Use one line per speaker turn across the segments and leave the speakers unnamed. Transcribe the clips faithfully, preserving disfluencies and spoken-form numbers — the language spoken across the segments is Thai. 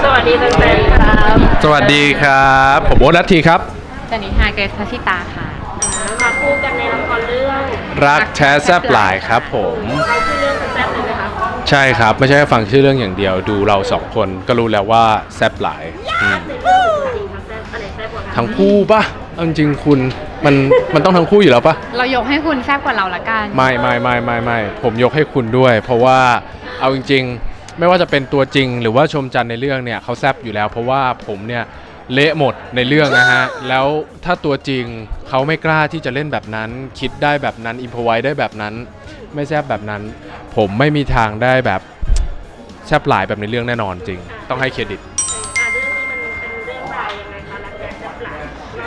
สวัสดีแฟนๆครับ
สวัสดีครับผมโอ๊ตลัทธีครับ
สวัสดีค่ะเกรซพัชิตาค่ะ
มาคู่กันในละครเรื่อง
รักแท้แซ่บหลายครับผม
เราชื่อเรื่องแซ่บเลยไหมคะ
ใช่ครับไม่ใช่ฟังชื่อเรื่องอย่างเดียวดูเราสองคนก็รู้แล้วว่าแซ่บหลายทั้งคู่ปะจริงๆคุณมันมันต้องทั้งคู่อยู่แล้วปะ
เรายกให้คุณแซ่บกว่าเราละกัน
ไม่ไม่ไม่ไม่ไม่ผมยกให้คุณด้วยเพราะว่าเอาจริงๆไม่ว่าจะเป็นตัวจริงหรือว่าชมจันในเรื่องเนี่ยเขาแซ่บอยู่แล้วเพราะว่าผมเนี่ยเละหมดในเรื่องนะฮะแล้วถ้าตัวจริงเขาไม่กล้าที่จะเล่นแบบนั้นคิดได้แบบนั้นอิมพอไว้ได้แบบนั้นไม่แซ่บแบบนั้นผมไม่มีทางได้แบบแซ่บหลายแบบในเรื่องแน่นอนจริงต้องให้เครดิต
เรื่องนี้มันเป็นเรื่องราวยังไงคะรักแท้แซ่บหลาย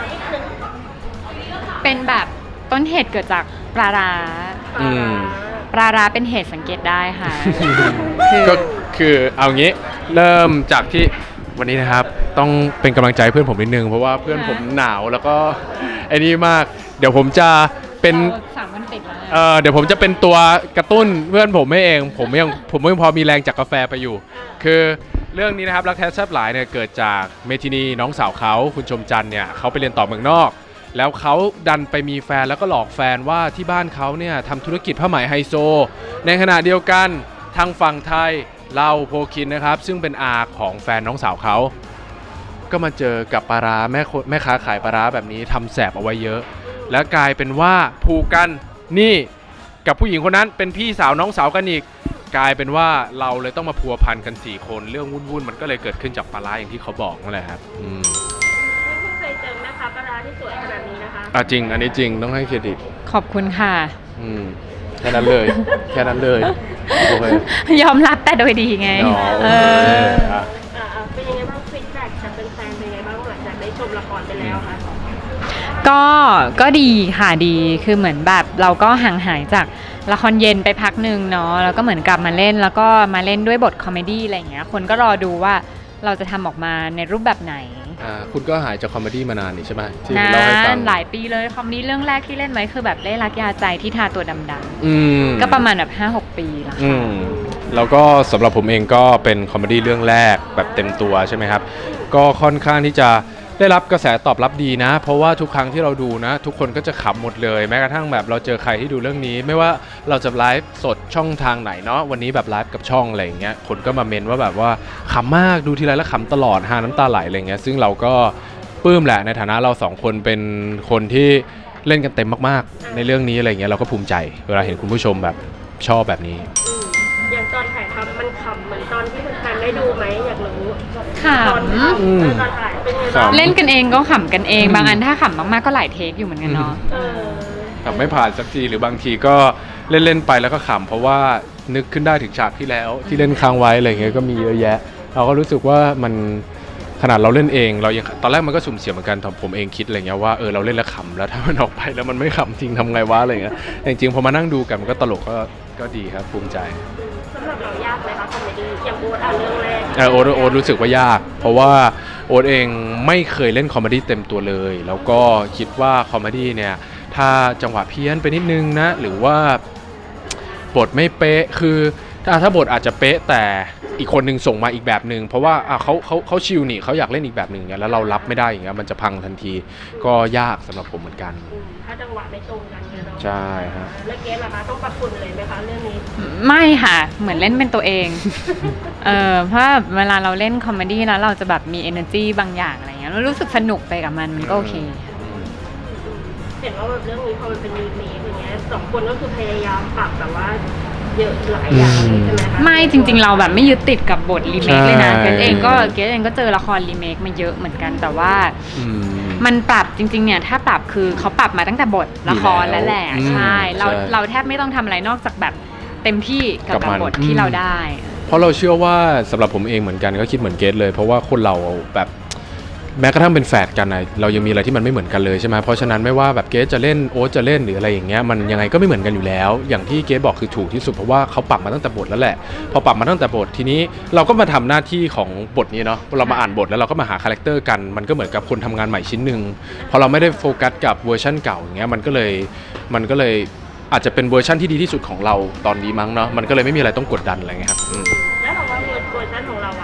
เป็นแบบต้นเหตุเกิดจากปลาร้าปลาร้าเป็นเหตุสังเกตได้ค่ะ
ก็คือเอางี้เริ่มจากที่วันนี้นะครับต้องเป็นกำลังใจเพื่อนผมนิดนึงเพราะว่าเพื่อนผมหนาวแล้วก็ไอ้นี่มากเดี๋ยวผมจะเป็น
สามวันติดแล้ว
เออเดี๋ยวผมจะเป็นตัวกระตุ้นเพื่อนผมไม่เองผมยังผมยังพอมีแรงจากกาแฟไปอยู่คือเรื่องนี้นะครับรักแท้แซ่บหลายเนี่ยเกิดจากเมทินีน้องสาวเขาคุณชมจันทร์เนี่ยเขาไปเรียนต่อเมืองนอกแล้วเขาดันไปมีแฟนแล้วก็หลอกแฟนว่าที่บ้านเขาเนี่ยทำธุรกิจผ้าไหมไฮโซในขณะเดียวกันทางฝั่งไทยเราโพคินนะครับซึ่งเป็นอาของแฟนน้องสาวเขาก็มาเจอกับปลาร้าแม่แม่ค้าขายปลาร้าแบบนี้ทำแสบเอาไว้เยอะแล้วกลายเป็นว่าผูกกันนี่กับผู้หญิงคนนั้นเป็นพี่สาวน้องสาวกันอีกกลายเป็นว่าเราเลยต้องมาพัวพันกันสี่คนเรื่องวุ่นๆมันก็เลยเกิดขึ้นจากปลาร้าอย่างที่เขาบอกนั่นแหละครับอืม
ไม่เคยเจอแม่ค้าปลาร้าที่สวยขนาดนี้นะคะ
อ่ะจริงอันนี้จริงต้องให้เครดิต
ขอบคุณค่ะ
อืมแค่นั้นเลยแค่นั้นเลยโอเค
ยอมรับแต่โดยดีไง
เออ
เป็นยังไงบ้างฟีดแบ็กจากแฟนๆเป็นยังไงบ้างหลังจากได้ชมละครไปแล้วคะ
ก็ก็ดีค่ะดีคือเหมือนแบบเราก็ห่างหายจากละครเย็นไปพักหนึ่งเนาะแล้วก็เหมือนกลับมาเล่นแล้วก็มาเล่นด้วยบทคอมเมดี้อะไรอย่างเงี้ยคนก็รอดูว่าเราจะทำออกมาในรูปแบบไหน
อ่าคุณก็หายจากคอมเมดี้มานานนี่ใช่ไหมที่
เล่าให้ฟังหลายปีเลยคอมเมดี้เรื่องแรกที่เล่นไว้คือแบบเล่รักยาใจที่ทาตัวดำๆก็ประมาณแบบ ห้าหก ปีแล้วค่ะ
แล้วก็สำหรับผมเองก็เป็นคอมเมดี้เรื่องแรกแบบเต็มตัวใช่ไหมครับก็ค่อนข้างที่จะได้รับกระแสตอบรับดีนะเพราะว่าทุกครั้งที่เราดูนะทุกคนก็จะขำหมดเลยแม้กระทั่งแบบเราเจอใครที่ดูเรื่องนี้ไม่ว่าเราจะไลฟ์สดช่องทางไหนเนาะวันนี้แบบไลฟ์กับช่องอะไรอย่างเงี้ยคนก็มาเมนว่าแบบว่าขำมากดูทีไรแล้วขำตลอดหาน้ำตาไหลอะไรเงี้ยซึ่งเราก็ปลื้มแหละในฐานะเราสองคนเป็นคนที่เล่นกันเต็มมากๆในเรื่องนี้อะไรเงี้ยเราก็ภูมิใจเวลาเห็นคุณผู้ชมแบบชอบแบบนี้
อย่างตอนถ่ายทำมันขำเหมือนตอนที่แฟนได้ดูไหมอยากรู้
ขำตอน
ถ่ายเป็นไงบ้าง
เล่นกันเองก็ขำกันเองบางอันถ้าขำมากๆก็หลายเทคอยู่เหมือนกันเนาะ
ขำไม่ผ่านสักทีหรือบางทีก็เล่นๆไปแล้วก็ขำเพราะว่านึกขึ้นได้ถึงฉากที่แล้วที่เล่นค้างไว้อะไรเงี้ยก็มีเยอะแยะเราก็รู้สึกว่ามันขนาดเราเล่นเองเรายังตอนแรกมันก็สุ่มเสี่ยงเหมือนกันผมเองคิดอะไรเงี้ยว่าเออเราเล่นแล้วขำแล้วถ้ามันออกไปแล้วมันไม่ขำจริงทำไงวะอะไรเงี้ยจริงๆพอมานั่งดูกันมันก็ตลกก็ก็ดีครับภูมิใจ
สำหรับเรายากไหมคะคอมเมดี้อย่างโอ๊ตอ่ะเรื่องแรก
เออโอ๊ตโอ๊ตรู้สึกว่ายากเพราะว่าโอ๊ตเองไม่เคยเล่นคอมเมดี้เต็มตัวเลยแล้วก็คิดว่าคอมเมดี้เนี่ยถ้าจังหวะเพี้ยนไปนิดนึงนะหรือว่าบทไม่เป๊ะคือถ้าถ้าบทอาจจะเป๊ะแต่อีกคนนึงส่งมาอีกแบบนึงเพราะว่าอ่ะเขาเขาเขาชิลนี่เขาอยากเล่นอีกแบบนึงอย่างเงี้ยแล้วเรารับไม่ได้อย่างเงี้ยมันจะพังทันทีก็ยากสำหรับผมเหมือนกัน
ถ้าจังหวะไม่ตรงกันเนี่ยเนาะ
ใช่ฮะ
แล้วเกสล่ะคะต้องปรับปรุงเลยไหมคะเรื่องนี้
ไม่ค่ะเหมือนเล่นเป็นตัวเองเออเพราะเวลาเราเล่นคอมเมดี้แล้วเราจะแบบมี energy บางอย่างอะไรเงี้ยรู้สึกสนุกไปกับมันมันก็โอเค
เห็นว่าแบบเรื่องนี้พอมันเป็นรีเมคอย่างเงี้ยสองคนก็คือพยายามปรับแบบว่าเยอะหลายอย่างใช่ไหมคะ
ไม่จริงๆเราแบบไม่ยึดติดกับบทรีเมคเลยนะเกสเองก็เกสเองก็เจอละครรีเมคมาเยอะเหมือนกันแต่ว่ามันปรับจริงๆเนี่ยถ้าปรับคือเขาปรับมาตั้งแต่บทละครแล้วแหละใช่เราเราแทบไม่ต้องทำอะไรนอกจากแบบเต็มที่กับกับบทที่เราได้
เพราะเราเชื่อว่าสำหรับผมเองเหมือนกันก็คิดเหมือนเกสเลยเพราะว่าคนเราแบบแม้กระทั่งเป็นแฝดกันนะเรายังมีอะไรที่มันไม่เหมือนกันเลยใช่ไหมเพราะฉะนั้นไม่ว่าแบบเกสจะเล่นโอ๊ตจะเล่นหรืออะไรอย่างเงี้ยมันยังไงก็ไม่เหมือนกันอยู่แล้วอย่างที่เกสบอกคือถูกที่สุดเพราะว่าเขาปรับมาตั้งแต่บทแล้วแหละพอปรับมาตั้งแต่บททีนี้เราก็มาทำหน้าที่ของบทนี้เนาะเรามาอ่านบทแล้วเราก็มาหาคาแรคเตอร์กันมันก็เหมือนกับคนทำงานใหม่ชิ้นหนึ่งพอเราไม่ได้โฟกัสกับเวอร์ชั่นเก่าอย่างเงี้ยมันก็เลยมันก็เลยอาจจะเป็นเวอร์ชั่นที่ดีที่สุดของเราตอนนี้มั้งเนาะมันก็เลยไม่มีอะไรต้องกดดันอะไรเงี้ยครับ
แล้วเราว่าเวอร์ชันของเราอะความ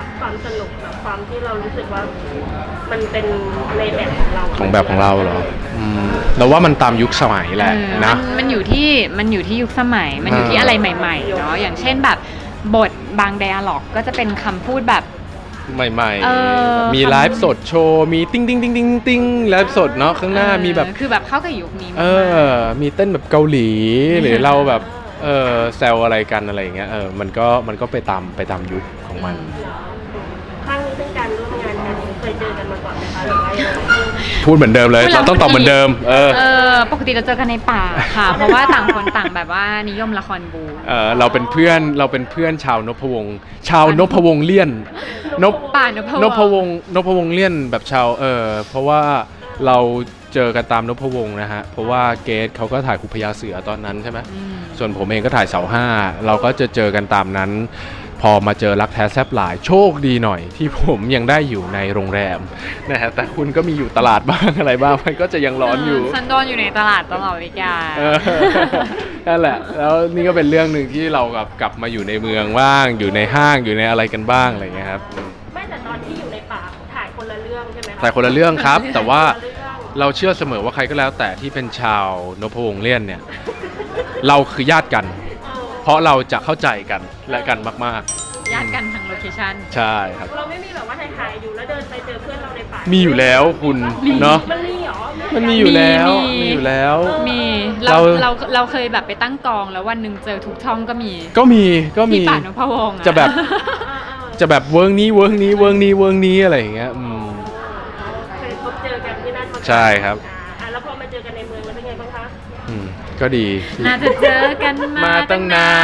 สนุกกับความที่เรารู้สึกว่ามันเป็นในแบบของเรา
ของแบบของเราเหรออืมเราว่ามันตามยุคสมัยแหละ
เออ
นะ
มันมันอยู่ที่มันอยู่ที่ยุคสมัย มันอยู่ที่
อ่า
อะไรใหม่ๆเนาะอย่างเช่นแบบบทบางไดอะล็อกก็จะเป็นคำพูดแบบ
ใหม่
เออ
ๆ มีไลฟ์สดโชว์ มีติ้งติ้งติ้งติ้งติ้งไลฟ์สดเนาะข้างหน้า
เออ
มีแบบ
คือแบบเข้ากับยุคนี้มาก
เออ มีเต้นแบบเกาหลี หรือเราแบบ เออแซวอะไรกันอะไรอย่างเงี้ย เออ มันก็ มันก็ไปตาม ไปตามยุคของมัน
ครั้งนี้เป็นการร่วมงานกันเคยเจอกันมาก่อนไหมคะหรือว่ายังไง
พูดเหมือนเดิมเลย
พูดแล้ว
เราต้องตอบเหมือนเดิม เออ
เออปกติเราเจอกันในป่าค่ะ เพราะว่าต่างคนต่างแบบว่านิยมละครบู
เออเราเป็นเพื่อน เราเป็นเพื่อนชาวนพวงศ์ชาวนพวงศ์เลี่ยน นพ
ป่านพ
นพวงศ์นพวงศ์เลี่ยนแบบชาว เออ เพราะว่าเราเจอกันตามนพวงศ์นะฮะ เพราะว่าเกสเขาก็ถ่ายคุพยาเสือตอนนั้นใช่ไหม
อืม
ส่วนผมเองก็ถ่ายเสาห้า เราก็จะเจอกันตามนั้น พอมาเจอรักแท้แซบหลายโชคดีหน่อย ที่ผมยังได้อยู่ในโรงแรมนะฮะ แต่คุณก็มีอยู่ตลาดบ้างอะไรบ้าง มันก็จะยังร้อนอยู่
ฉันโดนอยู่ในตลาดตลอดเวลา
เออ นั่นแหละ แล้วนี่ก็เป็นเรื่องหนึ่งที่เรากับกลับมาอยู่ในเมืองบ้าง อยู่ในห้างอยู่ในอะไรกันบ้างอะไรอย่างเงี้ยครับอืม
ไม่แต่ตอนที่อยู่ในป่าถ่ายคนละเรื่องใช่ไหมคะ
แต่คนละเรื่องครับ แต่ว่า
คนละเรื่อง
เราเชื่อเสมอว่าใครก็แล้วแต่ที่เป็นชาวนพวงศ์เลี่ยนเนี่ย เราคือญาติกัน
เออ
เพราะเราจะเข้าใจกันและกันมาก
ญาติกันทางโลเคชั่น
ๆ ใช่ครับ
เราไม่มีแบบว่าถ่ายๆอยู่แล้วเดินไปเจอเพื่อนเราในป่า
มีอยู่แล้วคุณ
มี
เนาะ
มันมีเหรอ
มันมีอยู่แล้ว
มี
มีอยู่แล้ว
มีเรา
เรา
เราเราเคยแบบไปตั้งกองแล้ววันหนึ่งเจอทุกช่องก็มี
ก็มีก็มี
ที่ป่านพวงศ์อ
จะแบบ
อ่าๆ
จะแบบเวิร์กนี้เวิร์กนี้เวิร์กนี้เวิร์กนี้อะไรอย่างเงี้ยอืม
เคยพบเจอกันที่นั่นมาก่อน
ใช่ครับ
อ่าแล้วพอมาเจอกันในเมืองแล้วเป็นไงบ้างคะ
อืมก็ดี
น่าจะเจอกันมา
มาตั้งนาน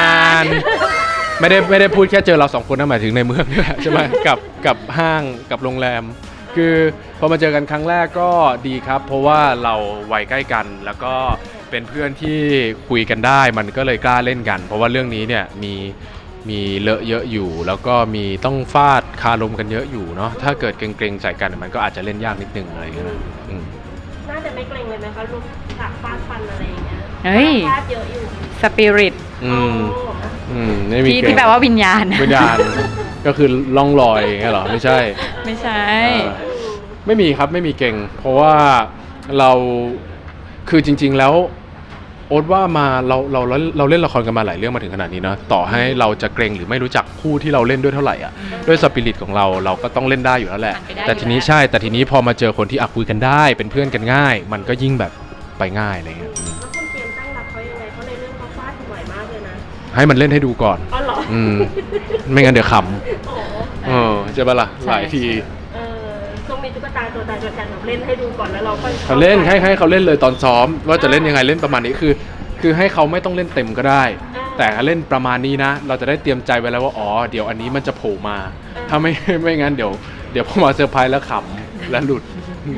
ไม่ได้ไม่ได้พูดแค่เจอเราสองคนนะหมายถึงในเมืองนี่แหละใช่ไหม กับกับห้างกับโรงแรม คือพอมาเจอกันครั้งแรกก็ดีครับ เพราะว่าเราวัยใกล้กัน แล้วก็เป็นเพื่อนที่คุยกันได้ มันก็เลยกล้าเล่นกัน เพราะว่าเรื่องนี้เนี่ยมีมีเลอะเยอะอยู่ แล้วก็มีต้องฟาดคารมกันเยอะอยู่เนาะถ้าเกิดเกรงๆใส่กันมันก็อาจจะเล่นยากนิดนึงอะไรอย่างเงี้ยนะอืม
น่าจะไม่เกรงเลยไหมคะลูกฉากฟาดฟันอะไรอย่างเงี้ย
เฮ้ย
ฟาดเยอะอยู่
สปิริต
อืม
โอ้
อืมไม่มี
ที่
เกรง
ที่แปลว่าวิญญาณ
วิญญาณ ก็คือล่องลอยอย่างเงี้ยเหรอไม่ใช่
ไม่ใช่
เออ ไม่มีครับไม่มีเก่ง เพราะว่าเราคือจริง ๆ แล้วโอ๊ตว่ามาเราเราเราเราเล่นละครกันมาหลายเรื่องมาถึงขนาดนี้นะต่อให้เราจะเกรงหรือไม่รู้จักคู่ที่เราเล่นด้วยเท่าไหร่อ่ะด้วยสปิริตของเราเราก็ต้องเล่นได้อยู่แล้วแหละ
ผ่านไปได้
แต่ทีนี้
อยู่แล้ว
ใช่ แต่ทีนี้พอมาเจอคนที่อะคุยกันได้ เป็นเพื่อนกันง่าย มันก็ยิ่งแบบไปง่ายอะไรเงี้ยอืม
แล้วคุณเตรียมตั้งรับเขายังไงเพราะในเรื่องเขาฟาดบ่อยมากเลยนะ
ให้มันเล่นให้ดูก่อน
อ๋อเหรอ
อืมไม่งั้นเดี๋ยวข
โอ้
ำเออใช่ปะล่ะหลายที
เออต้องมีตุ๊กตาตัวตายตัวแทนแบบเล่นให้ดูก่อนแล้วเราค่อย
เขาเล่นให้ให้เขาเล่นเลยตอนซ้อม ว่าจะเล่นยังไงเล่นประมาณนี้คือ คือให้เขาไม่ต้องเล่นเต็มก็ได้ แต่เล่นประมาณนี้นะ เราจะได้เตรียมใจไว้แล้วว่าอ๋อเดี๋ยวอันนี้มันจะโผล่มา ถ้าไม่ไม่งั้นเดี๋ยวเดี๋ยวพอมาเซอร์ไพรส์แล้วขำและหลุด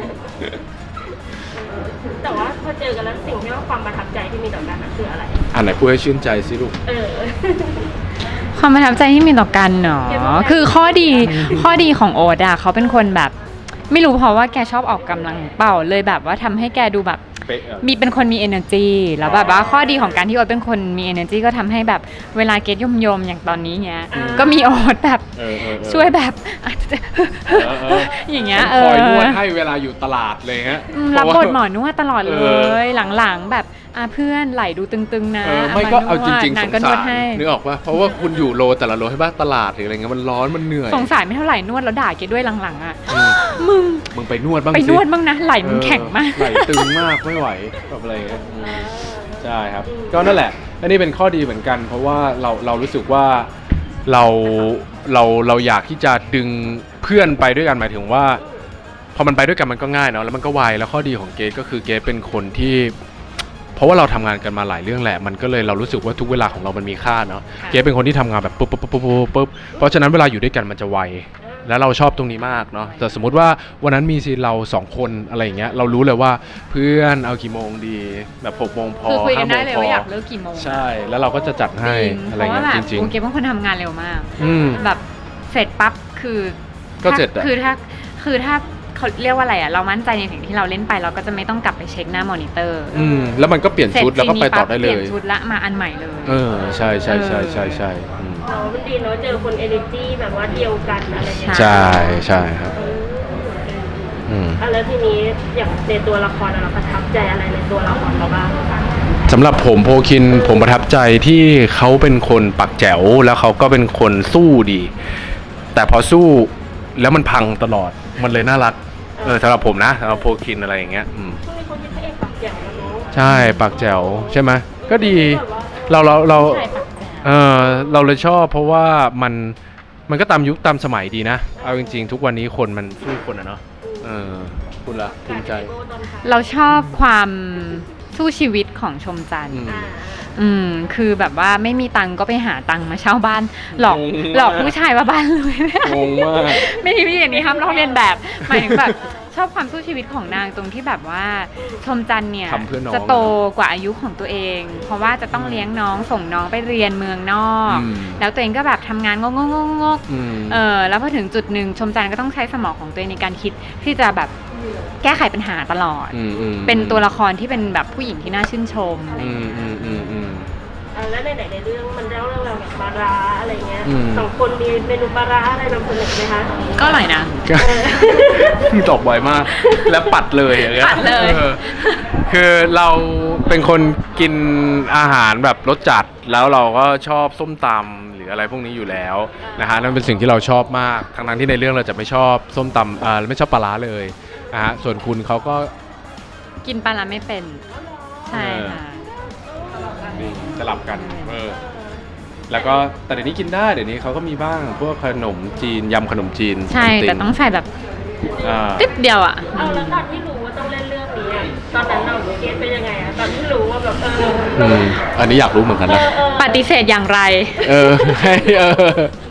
แต่ว่าพอเจอกันแล้วสิ่งที่ว่าความประทับใจที่มีต่อกันน่ะคืออะไร
อันไหนพูดให้ชื่นใจสิลูก
เออ
ความประทับใจที่มีต่อกันเนาะ
เก็บไว้
คือข้อดีข้อดีของโอ๊ตอะเขาเป็นคนแบบ ไม่รู้เพราะว่าแกชอบออกกำลังเปล่าเลยแบบว่าทำให้แกดูแบบ
เป๊ะอะ
มีเป็นคนมี energy แล้วแบบว่าข้อดีของการที่โอ๊ตเป็นคนมี energy ก็ทำให้แบบเวลาเกตยมยมๆอย่างตอนนี้เงี้ย
อ่า
ก็มีโอ๊ตแบบ
เออเออเออ
ช่วยแบบอาจจะ
เออเออ
อย่างเงี้ย
คอยนวด
เออ
ให้เวลาอยู่ตลาดเลยฮะ
อืมรับบทหมอนวดตลอดเล
เออ
ยหลังๆแบบอ่ะเพื่อนไหลดูตึงๆนะ
เออไม่ก็เอาจริงๆ
นาง
สง
ก็น
สาว
ด
ร
ให้
นึกออกป่ะเพราะว่าคุณอยู่โลแต่ละโลให้บ้านตลาดหรืออะไรเงี้ยมันร้อนมันเหนื่อย
สงสารไม่เท่าไหร่นวดแล้วด่าเกดด้วยหลังๆอ่ะ
อืม
มึง
มึงไปนวดบ้าง
ไป
สิ
นวดบ้างนะไหลมึงแข็งมาก
เออไหลตึงมากไม่ไหวแบบอะไรเงี้ยอืมใช่ครับ ก็นั่นแหละอันนี้เป็นข้อดีเหมือนกัน เพราะว่าเราเรารู้สึกว่าเราเราเราอยากที่จะดึงเพื่อนไปด้วยกันหมายถึงว่า พอมันไปด้วยกันมันก็ง่ายเนาะแล้วมันก็ไวแล้วข้อดีของเกรทก็คือเกรทเป็นคนที่ เพราะว่าเราทำงานกันมาหลายเรื่องแหละมันก็เลยเรารู้สึกว่าทุกเวลาของเรามันมีค่าเนาะ
ค่ะ
เกรทเป็นคนที่ทำงานแบบปุ๊บปุ๊บปุ๊บปุ๊บปุ๊บปุ๊บเพราะฉะนั้นเวลาอยู่ด้วยกันมันจะไวแล้วเราชอบตรงนี้มากเนาะแต่สมมุติว่าวันนั้นมีซีนเราสองคนอะไรอย่างเงี้ยเรารู้เลยว่าเพื่อนเอากี่โมงดีแบบหกโมงพอ
คือคุยกัน
ห้าโม
ได้
ง
เลย
พอ
ว่าอยากเลิกกี่โมง
ใช่แล้วเราก็จะจัดให้
จริง
อะ
เพ
ไร
ราะว่า
เงี้ย
แบบ
จริง
โอเคเป็นคนทำงานเร็วมาก
ๆอืม
แบบเสร็จปั๊บคือ
ก็
ถ้า
เสร็จอะ
คือถ้าคือถ้าเขาเรียกว่าอะไรอ่ะเรามั่นใจในสิ่งที่เราเล่นไปเราก็จะไม่ต้องกลับไปเช็คหน้ามอนิเตอร์
อืมแล้วมันก็เปลี่ยนชุดแล้วก็ไปต่อได้เล
เปลี่
ย
ยนชุดละมาอันใหม่เลย
เออใช่ใช่ใช่ใช่ใช่อืม
เนาะมันดีเนาะเจอคนเอเนอร์จีแบบว่าเดียวกันอะไรอย่างเงี้ย
ใช่ใช่ครับอืม
อ่ะแล้วทีนี้อย่างในตัวละครเราประทับใจอะไรในตัวละครเราบ้าง
สำหรับผมโพคินผมประทับใจที่เขาเป็นคนปักแจ๋วแล้วเขาก็เป็นคนสู้ดี แต่พอสู้แล้วมันพังตลอดมันเลยน่ารักเออสำหรับผมนะสำหรับโพคินอะไรอย่างเงี้ยอืม
ช่วงนี้คนคิดพระเอกปากแจ๋วแล้วเนาะ
ใช่ปักแจ๋วใช่ไหมก็ดีเราเราเรา
ใช่ปะ
เออเราเลยชอบเพราะว่ามันมันก็ตามยุคตามสมัยดีนะเอาจริงๆ ทุกวันนี้คนมันสู้คนอะเนาะเออคุณละภูมิใจ
เราชอบความสู้ชีวิตของชมจันทร์
อืม
อ่า
อืมคือแบบว่าไม่มีตังค์ก็ไปหาตังค์มาเช่าบ้าน หลอก
งงมาก
หลอกผู้ชายว่าบ้านรวย
งงมาก
ไม่มีอย่างนี้ห้ามลอกเลียนแบบหมายถึงแบบชอบความสู้ชีวิตของนางตรงที่แบบว่าชมจันทร์เนี่ย
ทำเพื่อน้อง
จะโตกว่าอายุของตัวเอง เพราะว่าจะต้องเลี้ยงน้องส่งน้องไปเรียนเมืองนอก
อืม
แล้วตัวเองก็แบบทำงานงกงกงก
อืม
เออแล้วพอถึงจุดหนึ่งชมจันทร์ก็ต้องใช้สมองของตัวเองในการคิดที่จะแบบแก้ไขปัญหาตลอด
อืมอืม
เป็นตัวละครที่เป็นแบบผู้หญิงที่น่าชื่นชมอะไรอ
อื
ย่าง
ม
เงี้ย
อืมอืมอืม
อ่าแล้วในไหนในเรื่องมันเล่าเรื่องราวแบบปลาร้าอะไรเงี้ย
อืม
สองคนมีเมนูปลาร้าอะไรนำเสนอไหมคะ
ก็อร่อยนะ
ก็ ตอบบ่อยมาก แล้วปัดเลยอย่างเงี้ย
ปัดเลย
ออคือเราเป็นคนกินอาหารแบบรสจัดแล้วเราก็ชอบส้มตำหรืออะไรพวกนี้อยู่แล้วนะฮะนั่นเป็นสิ่งที่เราชอบมากทั้งนั้นที่ในเรื่องเราจะไม่ชอบส้มตำอ่าไม่ชอบปลาร้าเลยนะฮะส่วนคุณเขาก็
กินปลาร้าไม่เป็น ใช่ค่ะ
นี่สลับกันเออแล้วก็แต่เดี๋ยวนี้กินได้เดี๋ยวนี้เขาก็มีบ้างพวกขนมจีนยำขนมจีน
ใช่
ซัม
แต่ต้องใส่แบบ
อ่า
ติ๊บเดียวอ่ะ
เอาแล้วตอนที่รู้ว่าต้องเล่นเรื่องนี้อะตอนนั้นเราเกณฑ์เป็นยังไงอะตอนที่รู้ว่าแบบเออ
อืมอันนี้อยากรู้เหมือนกัน
เอ
นะ
อเออ
ปฏิเสธอย่างไร
เออให้เออ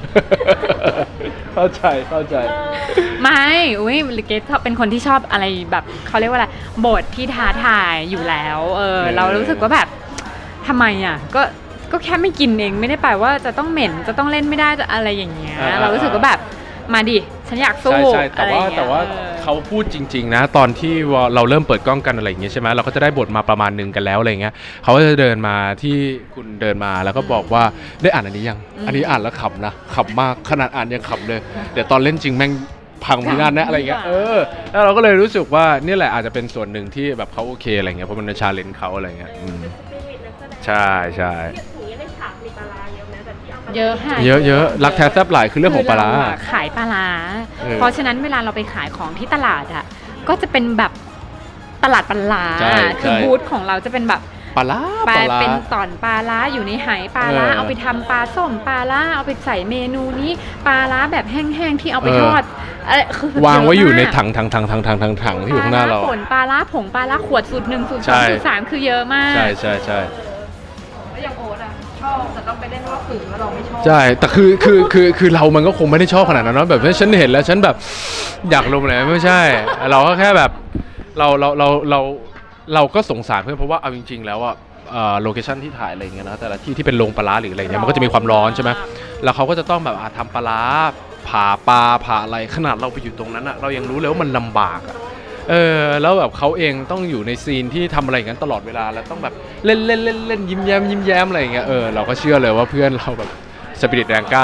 เข้าใจเข้าใจ
ไม่อุ้ยลิเกตเป็นคนที่ชอบอะไรแบบเขาเรียกว่าอะไรบทที่ท้าทายอยู่แล้ว เออ
เออ
เรารู้สึกว่าแบบทำไมอ่ะ ก็ก็แค่ไม่กินเองไม่ได้แปลว่าจะต้องเหม็นจะต้องเล่นไม่ได้จะอะไรอย่างเงี้ย เรารู้สึกว่าแบบมาดิฉันอยากสู้
ใช่ใช่แต่ว่า
อะไรอย่งเงี้ย
แต่ว่า
ออ
เขาพูดจริง ๆ นะ ตอนที่เราเริ่มเปิดกล้องกันอะไรอย่างเงี้ยใช่ไหมเราก็จะได้บทมาประมาณหนึงกันแล้วอะไรเงี้ยเขาก็จะเดินมาที่คุณเดินมาแล้วก็บอกว่าได้อ่านอันนี้ยัง
อืม
อันนี้อ่านแล้วขำนะขำมากขนาดอ่านยังขำเลยเดี๋ยวตอนเล่นจริงแม่งพังพินาศนะอะไรเงี้ยเออแล้วเราก็เลยรู้สึกว่านี่แหละอาจจะเป็นส่วนหนึ่งที่แบบเขาโอเคอะไรเงี้ยเพราะมันเป็นชาเลนจ์เขาอะไรเงี้ยอืม
เป็นสปิริตนักแสดง
ใช่ใช่
อย่างนี้ในฉากมีปลาร้าเยอะไหมแบบที่เอาปลาร้า
เยอะค่ะ
เยอะเยอะรักแท้แซ่บหลายคือเรื่องของปลาร้า
คืเอะขายปลาร้า
เออ
เพราะฉะนั้นเวลาเราไปขายของที่ตลาดอ่ะก็จะเป็นแบบตลาดปลาร้า
ใช่
คือ
ใช่
บูธของเราจะเป็นแบบ
ปลาร้า
ป
ป
ลา
ลาร้า
เป็นตอนปลาร้าอยู่ในไหปลาร้า
เออ
เอาไปทำปลาส้มปลาร้าเอาไปใส่เมนูนี้ปลาร้าแบบแห้งๆที่เอาไป
เออ
ทอดอะไรคือ
วางไว้อยู่ใน
เะมาก
ถังถังถังถังถังถังถังที่อยู่ข้างหน้าเรา
ปลร้ป่นปลาร้าผงปลาร้าขวดสูตรหนึ่งสูตรส
ใช่
องสูตรสามคือเยอะมาก
ใช่ใช่ใช่
แล้วอย่างโอ๊ตอะชอบแต่ต้องไปเล่นว่าฝืนว่าเราไม่ชอบ
ใช่แต่คือคือคือคือเรามันก็คงไม่ได้ชอบขนาดนั้นเนาะแบบฉันเห็นแล้วฉันแบบอยากลงเลยไม่ใช่ เราก็แค่แบบเราเราเราเราเราก็สงสารเพื่อนเพราะว่าเอาจริง ๆ แล้วอ่ะโลเคชั่นที่ถ่ายอะไรอย่างเงี้ยนะแต่ละที่ที่เป็นโรงปลาร้าหรืออะไรเงี้ยมันก็จะมีความร้อนใช่ไหมแล้วเขาก็จะต้องแบบอ่ะทำปลาร้าผ่าปลาผ่าอะไรขนาดเราไปอยู่ตรงนั้นอ่ะเรายังรู้เลยว่ามันลำบากอ่ะเออแล้วแบบเขาเองต้องอยู่ในซีนที่ทำอะไรอย่างนั้นตลอดเวลาแล้วต้องแบบเล่นเล่นเล่นเล่นยิ้มแย้มยิ้มแย้มอะไรอย่างเงี้ยเออเราก็เชื่อเลยว่าเพื่อนเราแบบสปิริตแรงกล้า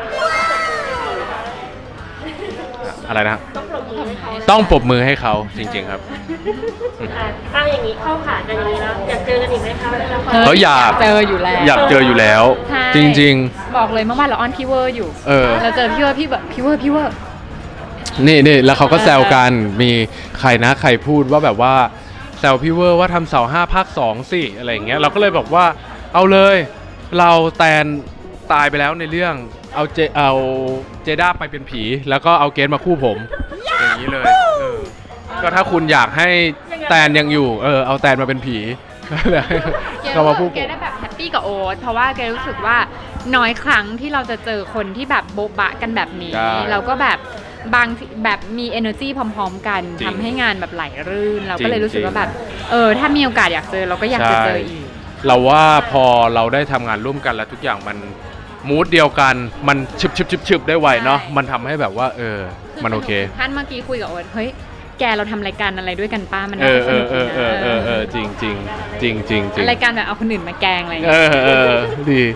อะไรนะ
ต้องปรบมือให้เขา
ต้องปรบมือให้เขาจริง ๆ ครับ
อ่ะเอาอย่างนี้เข้าขากันอย่างนี้แล้วอยากเจอกันอีกไหมคะในละคร
เฮ้ยอยาก
เจออยู่แล้ว
อยากเจออยู่แล้ว
ใช่
จริง
บอกเลยเมื่อวานเราออนพี่เวอร์อยู่
เออ
เราเจอพี่เวอร์พี่แบบพี่เวอร์พี่เวอร์
ๆ นี่นี่แล้วเขาก็แซวกันมีใครนะใครพูดว่าแบบว่าแซวพี่เวอร์ว่าทำเสาห้าภาคสองสิอะไรอย่างเงี้ยเราก็เลยบอกว่าเอาเลยเราแตนตายไปแล้วในเรื่องเอาเจเอาเจด้าไปเป็นผี แล้วก็เอาเกสมาคู่ผม อย่างนี้เลยเออก็ถ้าคุณอยากให้แตนยังอยู่เออเอาแตนมาเป็นผี ก็มาพูด
แกได้แบบแฮปปี้กับโอ๊ตเพราะว่าแกรู้สึกว่าน้อยครั้งที่เราจะเจอคนที่แบบโบ๊ะบะกันแบบนี้
ใช่
เราก็แบบบางทีแบบมี energy พร้อม ๆ กัน
จริง
ทำให้งานแบบไหลรื่น เราก็เลย
จริง
รู้สึกว่า
จริง
แบบเออถ้ามีโอกาสอยากเจอเราก็อยากจะเจออีก
เราว่าพอเราได้ทำงานร่วมกันแล้วทุกอย่างมันมูดเดียวกันมันชึบชึบชึบชึบได้ไวเนาะ
ใช่
มันทำให้แบบว่า เออ มันโอเค
ท่านเมื่อกี้คุยกับโอ๊ตเฮ้ยแกเราทำรายการอะไรด้วยกันป้ามัน
เอ
น่า
อ
จะ
เอ
สนุ
อก เอ
ดี
อ
นะ
เออเออเออจริงจริงจริงจริงจริง
รายการแบบเอาคนอื่นมาแกล้งอะไรอย่าง
เอ
เงี้ย
อเออดี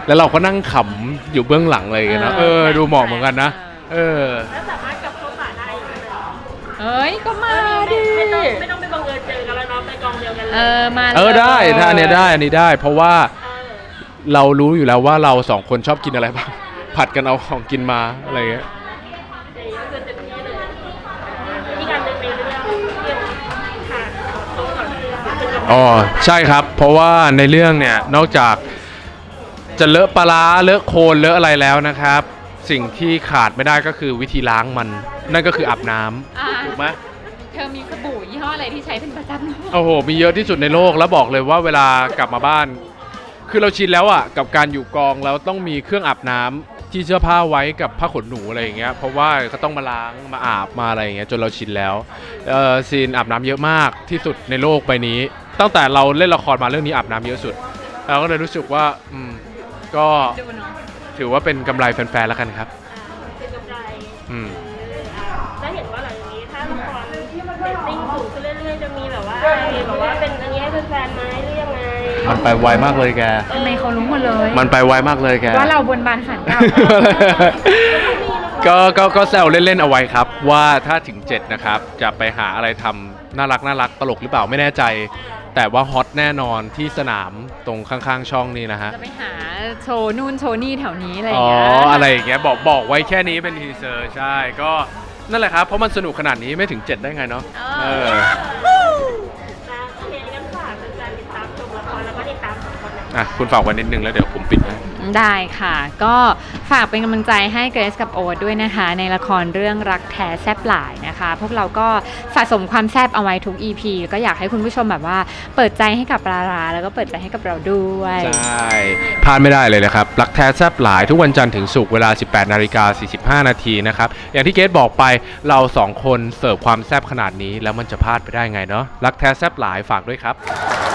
แล้วเราก็นั่งขำอยู่เบื้องหลังอะไรอย่างเงี้ยนะเออดูเหมาะเหมือนกันนะเออ
แล้วสามารถกลับเข้าป่าได้อยู่ไหม
เอ้ยก็มาดิ
ไม่ต้องไม่ต้องไปบังเอิญเจอกันแล้วเนาะไปกองเดียวกันเลย
เออมา
เออได้ถ้าอันเนี้ยได้อันนี้ได้ เพราะว่า
เออ
เรารู้อยู่แล้วว่าเราสองคนชอบกินอะไรบ้าง ผัดกันเอาของกินมาอะไรอย่างเงี้ย
อย่างนี้ก็คือเต็มที่เลยมีการเดินไปเรื่องเรื่องขาดตรงก่อนเรื่องเป็นกำลัง
อ๋อใช่ครับ เพราะว่าในเรื่องเนี่ยนอกจากจะเลอะปลาร้าเลอะโคลนเลอะอะไรแล้วนะครับ สิ่งที่ขาดไม่ได้ก็คือวิธีล้างมัน นั่นก็คืออาบน้ำ
อ่า
ถูกไหม
เธอมีสบู่ยี่ห้ออะไรที่ใช้เป็นประจำ
โอ้โหมีเยอะที่สุดในโลกแล้วบอกเลยว่าเวลากลับมาบ้าน คือเราชินแล้วอ่ะกับการอยู่กองแล้วต้องมีเครื่องอาบน้ำที่เสื้อผ้าไว้กับผ้าขนหนูอะไรอย่างเงี้ยเพราะว่าก็ต้องมาล้างมาอาบมาอะไรอย่างเงี้ยจนเราชินแล้วเอ่อซีนอาบน้ำเยอะมากที่สุดในโลกใบนี้ ตั้งแต่เราเล่นละครมาเรื่องนี้อาบน้ำเยอะสุดเราก็เลยรู้สึกว่าอืมก็
ดูเนาะ
ถือว่าเป็นกำไรแฟนๆแล้วกันครับ
เป็นกำไร
อืม
แล้วเห็นว่าหลังจากนี้ถ้าละครเรตติ้งสูงขึ้นเรื่อยๆจะมีแบบว่าอะไรแบบว่าเป็นอันนี้ให้แฟนๆไหมหรือยังไง
มันไปไวมากเลยแก
ทำไมเขารู้หมดเลย
มันไปไวมากเลยแก
ว่าเราบนบานสันเก่า
ก็ก็ก็แซวเล่นๆเอาไว้ครับว่าถ้าถึงเจ็ดนะครับจะไปหาอะไรทำน่ารักน่ารักตลกหรือเปล่าไม่แน่ใจ แต่ว่าฮอตแน่นอนที่สนามตรงข้างๆช่องนี่นะฮะ
จะไปหาโชว์นู่นโชว์นี่แถวนี้อะไรอ
อ๋
ย่า
อง
เงี้ย
อะไรอย่างเงี้ยบอกบอกไว้แค่นี้เป็นทีเซอร์ใช่ก็นั่นแหละครับเพราะมันสนุกขนาดนี้ไม่ถึงเจ็ดได้ไงเนาะเออ
นะโอเคงั้นฝากแฟนๆติดตามชมละครแล้วก็ติดตามสองคนนะ
อ่ะคุณฝากไว้นิดนึงแล้วเดี๋ยวผมปิดให้
ได้ค่ะ ก็ฝากเป็นกำลังใจให้เกรซกับโอ๊ตด้วยนะคะ ในละครเรื่องรักแท้แซบหลายนะคะ พวกเราก็สะสมความแซบเอาไว้ทุก อี พี ก็อยากให้คุณผู้ชมแบบว่าเปิดใจให้กับปลาราแล้วก็เปิดใจให้กับเราด้วย
ใช่พลาดไม่ได้เลยนะครับรักแท้แซบหลายทุกวันจันทร์ถึงศุกร์เวลา สิบแปดนาฬิกาสี่สิบห้านาทีนะครับอย่างที่เกรซบอกไปเราสองคนเสิร์ฟความแซบขนาดนี้แล้วมันจะพลาดไปได้ไงเนาะรักแท้แซบหลายฝากด้วยครับ